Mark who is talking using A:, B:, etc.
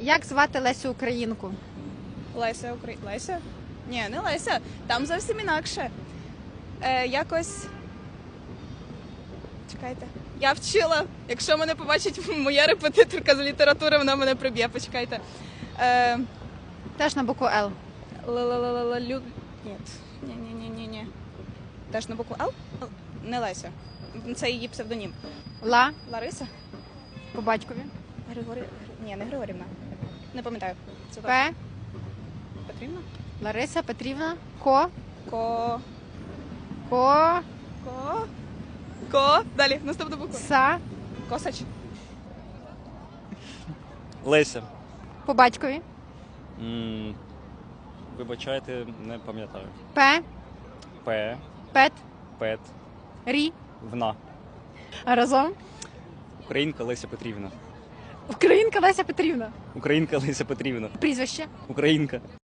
A: Як звати Лесю Українку?
B: Леся? Ні, не Леся. Там зовсім інакше. Якось. Чекайте. Я вчила. Якщо мене побачить моя репетиторка з літератури, вона мене приб'є. Почекайте.
A: Теж на букву Л.
B: Ні. Ні. Теж на букву Л? Не Леся. Це її псевдонім.
A: Ла
B: Лариса?
A: по батькові.
B: Ні, не Григорівна. Не пам'ятаю. Це точно.
A: П.
B: Петрівна?
A: Лариса Петрівна. Ко.
B: Ко.
A: Ко.
B: Ко. Далі, наступна буква.
A: Са.
B: Косач.
C: Леся.
A: По батькові.
C: Вибачайте, не пам'ятаю.
A: П.
C: П.
A: Пет.
C: Пет.
A: Рі.
C: Вна.
A: А разом.
C: Українка Леся Петрівна.
A: Українка Леся Петрівна.
C: Українка Леся Петрівна.
A: Прізвище.
C: Українка.